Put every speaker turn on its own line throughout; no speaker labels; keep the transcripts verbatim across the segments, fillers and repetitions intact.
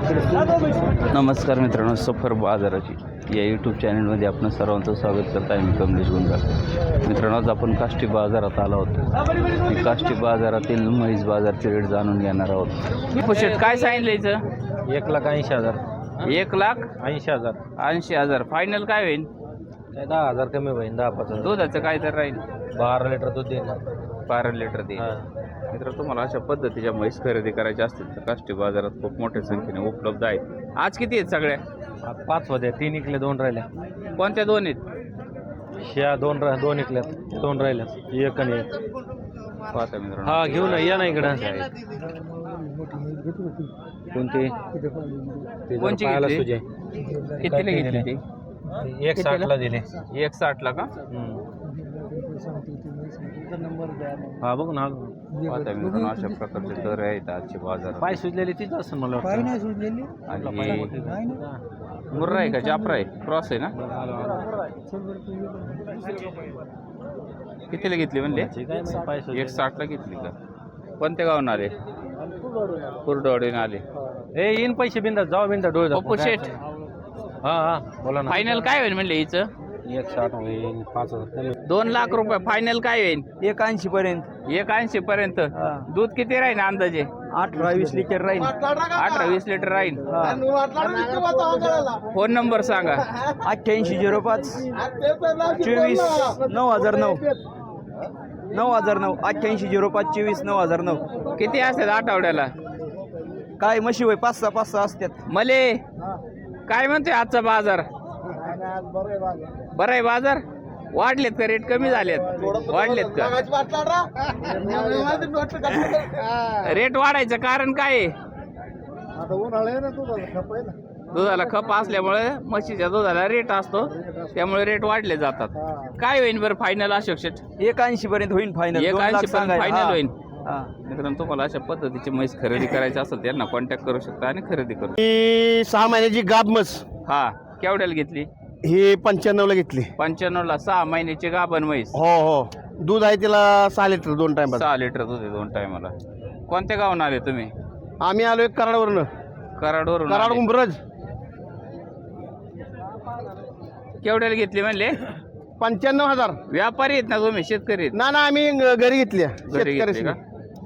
नमस्कार मित्रांनो, सफर बाजाराची या यूट्यूब चॅनलमध्ये आपण सर्वांचं स्वागत करत आहे. मी कमलेश गुंजाळ. मित्रांनो, आज आपण काष्टी बाजारात आलो आहोत. मी काष्टी बाजारातील म्हैस बाजारचे रेट जाणून घेणार आहोत. पुशेट काय सांगितलं इथं?
एक लाख ऐंशी हजार
एक लाख
ऐंशी हजार
ऐंशी हजार फायनल काय होईल?
दहा हजार कमी होईल. दहा पाच हजार
दुधाचं काय तर राहील?
बारा लिटर दूध देणार.
बारा लिटर दे. मित्र, तुम्हाला अशा पद्धतीच्या म्हैस खरेदी करायच्या असतील तर काष्टी बाजारात खूप मोठ्या संख्येने उपलब्ध आहेत. आज किती आहेत सगळ्या?
पाच होत्या, तीन इकले, दोन राहिल्या.
कोणत्या दोन आहेत?
ह्या दोन रा दोन इकल्या, दोन राहिल्या, एक आणि एक.
पाहता मित्रांनो,
हा घेऊ ना, या ना इकडं.
कोणती कोणची
पाहायला
घेतली?
सुजे
कितीला घेतली ती?
एक साठला दिले.
एक साठला का?
हा बघ ना,
पाहता मित्रांनो, अशा प्रकारचे दर आहेत आजचे बाजारात.
पाय सुजलेली तीच असं मला वाटतं.
आणि मुर्रा आहे का जाफरा आहे? क्रॉस आहे ना? कितीला घेतली म्हणले? एक साठला घेतली का? कोणत्या गावून आले? कुर्डवाडीने आले.
ए येईन पैसे बिंदा जाऊ बिंदा डोळे
पप्पू शेठ,
हा हा बोला ना.
फायनल काय होईल म्हणले हिचं?
एक साठ होईल, पाच हजार.
दोन लाख रुपये फायनल काय होईल?
एक ऐंशी पर्यंत.
एक ऐंशी पर्यंत. दूध किती राहील अंदाजे?
अठरा वीस लिटर राहील.
अठरा वीस लिटर राहील. फोन नंबर सांगा.
अठ्ठ्याऐंशी झिरो पाच चोवीस नऊ हजार नऊ नऊ हजार नऊ अठ्ठ्याऐंशी झिरो पाच चोवीस नऊ हजार नऊ.
किती असतात आठवड्याला?
काय म्हशी होय? पाच सहा पाच सहा असतात.
मले काय म्हणते आजचा बाजार? बरं आहे बाजार? वाढलेत का रेट? कमी झालेत? वाढलेत का? रेट वाढायचं कारण काय आहे? दुधाला खप असल्यामुळे म्हशीच्या दुधाला रेट असतो, त्यामुळे रेट वाढले जातात. काय होईल बरं फायनल अशोक शेठ?
एक ऐंशी पर्यंत होईल फायनल.
एक ऐंशी पर्यंत फायनल होईल.
हा.
मित्रांनो, तुम्हाला अशा पद्धतीची म्हैस खरेदी करायची असेल त्यांना कॉन्टॅक्ट करू शकता आणि खरेदी करू.
ही सहा महिन्याची गाब म्हस,
हा, केवढ्याला घेतली?
ही पंच्याण्णव ला घेतली.
पंच्याण्णव ला सहा महिन्याची गाभण म्हैस.
हो हो, दूध आहे तिला सहा लिटर दोन टाइम.
सहा लिटर दूध आहे दोन टायमाला. कोणत्या गावून आले तुम्ही?
आम्ही आलोय कराडवरनं.
कराडवरून
कराड
आले.
उंबरज.
केवढ्याला घेतली म्हणले?
पंच्याण्णव हजार.
व्यापारी आहेत ना तुम्ही? शेतकरी आहेत?
ना ना, आम्ही ग- घरी घेतली.
घरी घेतली का?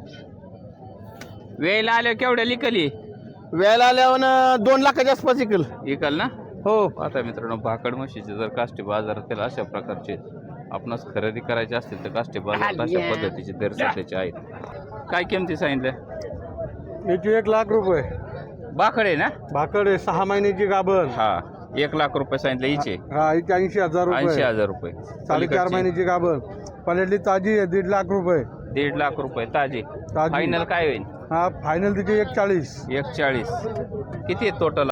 वेळेला आले केवढ्या लिकली?
वेळेला आल्यावर दोन लाखाच्या आसपास इकल.
इकल ना?
हो.
आता मित्रांनो, भाकड म्हशीचे जर काष्टी बाजारातील अशा प्रकारचे आपणास खरेदी करायचे असतील तर काष्टी बाजारात अशा पद्धतीचे दर सध्याचे आहेत. काय किमती सांगितल्या?
याची एक लाख रुपये.
भाकड आहे ना?
भाकड आहे, सहा महिन्याची गाभण.
हा, एक लाख रुपये सांगितले हिचे.
हा, हिची ऐंशी हजार
ऐंशी
रुपये.
हजार रुपये.
साडेचार
पलीकडची
महिन्याची गाभण. पलेटली ताजी आहे, दीड लाख रुपये.
दीड लाख रुपये ताजी.
ताजी.
फायनल काय होईल?
हा, फायनल तिची एक चाळीस.
एक चाळीस. किती आहे टोटल?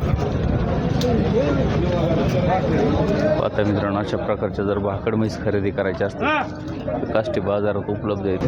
आता मित्रांनो, अशा प्रकारच्या जर भाकड म्हैस खरेदी करायच्या असतील तर काष्टी बाजारात उपलब्ध आहेत.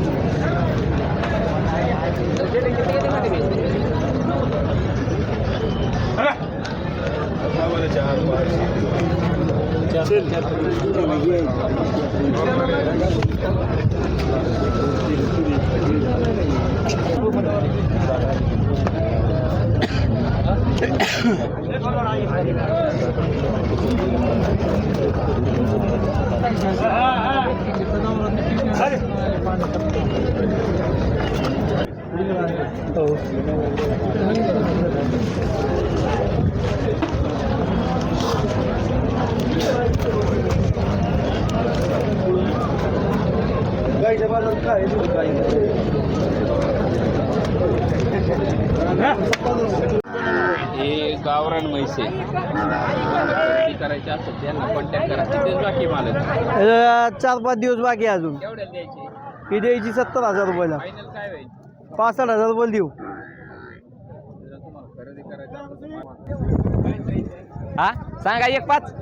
हे गावरान म्हैस आहे. खरेदी करायची असेल त्यांना कॉन्टॅक्ट करा. किती बाकी मालक?
चार पाच दिवस बाकी आहे अजून.
केवढ्याला द्यायची?
ही द्यायची सत्तर हजार रुपयाला.
फायनल काय होईल?
पासष्ट हजार रुपये देऊ.
तुम्हाला खरेदी करायची असेल
हा सांगा एक पाच.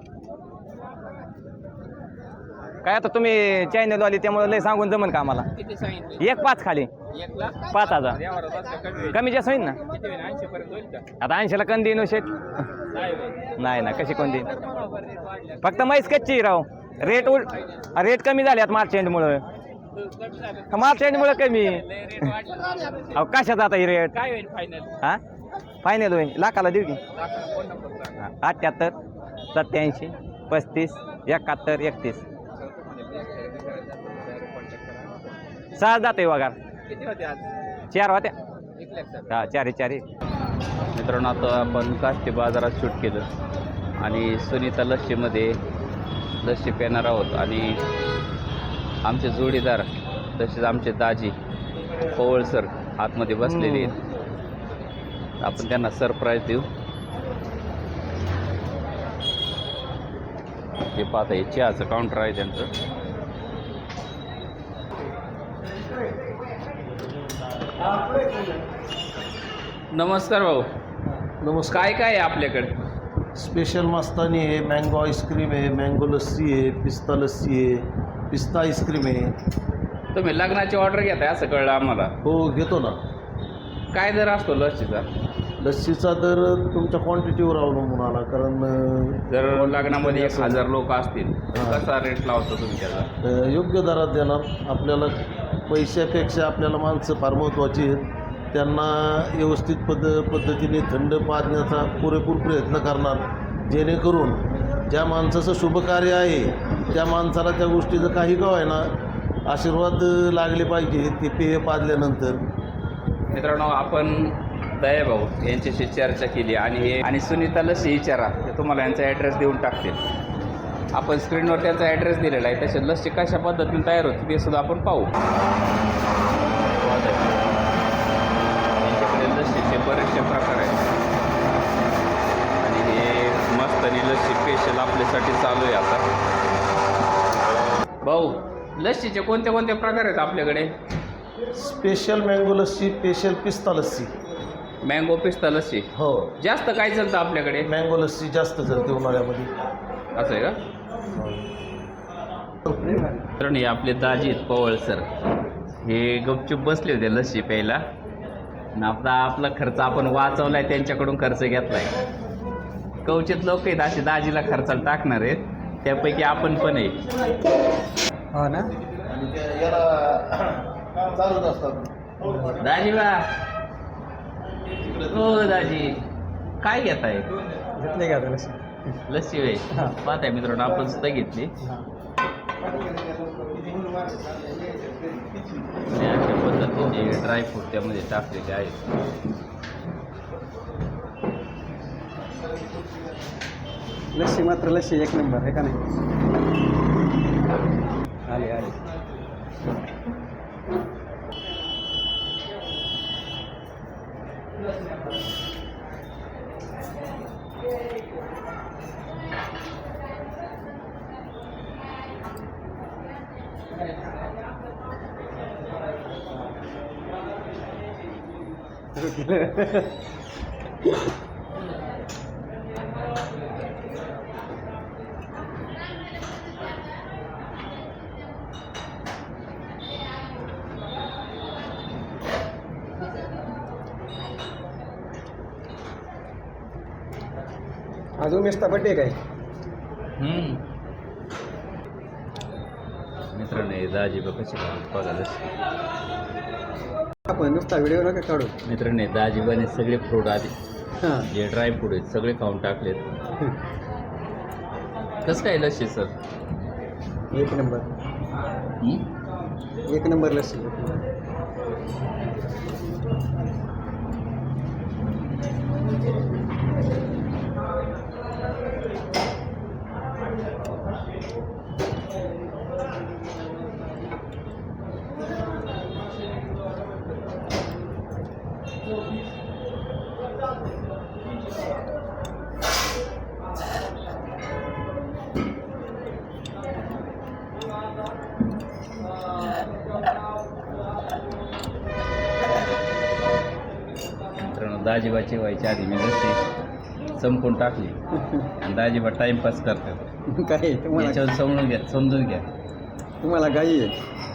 काय आता तुम्ही चॅनल वाले त्यामुळे लय सांगून जमन का आम्हाला?
किती सांगितले?
एक पाच खाली.
एक लाख
पाच हजार
यावर असं कमी होईल.
कमी जास्त होईल ना.
किती होईल? ऐंशी पर्यंत होईल का?
आता ऐंशीला कंदी येणं शेट
नाही होईल.
नाही ना, कशी कोण देईन? फक्त म्हैस कच्ची राव. रेट उल रेट कमी झाले आता मार्च एंडमुळं. मार्च एंडमुळं कमी. अहो कशात आता ही रेट?
काय होईल फायनल?
हा
फायनल होईल लाखाला देऊ की अठ्ठ्याहत्तर सत्याऐंशी पस्तीस एकाहत्तर एकतीस सहा जाते वगार चार होत्या हा चारी चारी
मित्रांनो आता आपण काष्टी बाजारात शूट केलं आणि सुनीता लस्सीमध्ये लस्सी पिणार आहोत आणि आमचे जोडीदार तसेच आमचे दाजी पवळ सर आतमध्ये बसलेले आहेत. आपण त्यांना सरप्राईज देऊ. हे पाहता हे चहाचं काउंटर आहे त्यांचं. नमस्कार भाऊ.
नमस्कार.
काय काय आहे आपल्याकडे?
स्पेशल मस्तानी आहे, मँगो आईस्क्रीम आहे, मँगो लस्सी आहे, पिस्ता लस्सी आहे, पिस्ता आईस्क्रीम आहे.
तुम्ही लग्नाची ऑर्डर घेताय असं कळलं आम्हाला.
हो घेतो ना.
काय दर असतो लस्सीचा?
लस्सीचा दर तुमच्या क्वांटिटीवर अवलंबून आला, कारण अ,
जर लग्नामध्ये एक हजार लोक असतील कसा रेट लावतो तुम्ही त्याला?
अ, योग्य दरात देणार. आपल्याला पैशापेक्षा आपल्याला माणसं फार महत्त्वाची आहेत. त्यांना व्यवस्थित पद्ध पद्धतीने थंड पाजण्याचा पुरेपूर प्रयत्न करणार, जेणेकरून ज्या माणसाचं शुभकार्य आहे त्या माणसाला त्या गोष्टीचं काही का होईना आशीर्वाद लागले पाहिजे ते पेय पाजल्यानंतर.
मित्रांनो आपण दयाभाऊ यांच्याशी चर्चा केली आणि हे आणि सुनीता लस्सी विचारा ते तुम्हाला यांचा ॲड्रेस देऊन टाकतील. आपण स्क्रीनवर त्यांचा ॲड्रेस दिलेला आहे. तसे लस्सी कशा पद्धतीने तयार होते ते सुद्धा आपण पाहू. यांच्याकडे लस्सीचे बरेचसे प्रकार आहेत आणि हे मस्त आणि लस्सी स्पेशल आपल्यासाठी चालू आहे आता. भाऊ लस्सीचे कोणते कोणते प्रकार आहेत आपल्याकडे?
स्पेशल मँगो लस्सी, स्पेशल पिस्ता लस्सी.
मँगो पिस्ता लस्सी.
हो,
जास्त काय चालतं आपल्याकडे?
मँगो लस्सी जास्त चालते उन्हाळ्यामध्ये.
असं आहे का? तर हे आपले दाजी आहेत पवळ सर. हे गपचूप बसले होते लस्सी प्यायला आणि आपला आपला खर्च आपण वाचवलाय, त्यांच्याकडून खर्च घेतलाय. कवचित लोक आहेत असे दाजीला खर्चाला टाकणार आहेत, त्यापैकी आपण पण आहे.
हो ना.
आणि त्या याला चालूच असतात.
दाजी बा हो दाजी काय घेत आहे?
घेतले का लस्सी?
लस्सी वे पाहताय मित्रांनो आपण सुद्धा घेतली. आणि अशा पद्धतीचे ड्रायफ्रूट त्यामध्ये टाकलेले आहेत.
लस्सी मात्र लस्सी एक नंबर आहे का नाही? आले आले. अजून मेस्ता बड्डे काय?
मित्रांनो हे दाजी बघ कशी बघा लस्सी.
आपण नुसता व्हिडिओ नका काढू.
मित्रांनो दाजी बने सगळे फ्रूट आले
हां
जे ड्राय फ्रूट आहेत सगळे खाऊन टाकलेत. कसं काय लस्सी सर?
एक नंबर एक नंबर लस्सी.
दाजीबाची व्हायच्या आधी मी लस्सी संपून टाकली आणि दाजीबा टाइमपास करतात.
काय तुम्हाला
याच्यावर समजून घ्या समजून घ्या
तुम्हाला गाई आहे.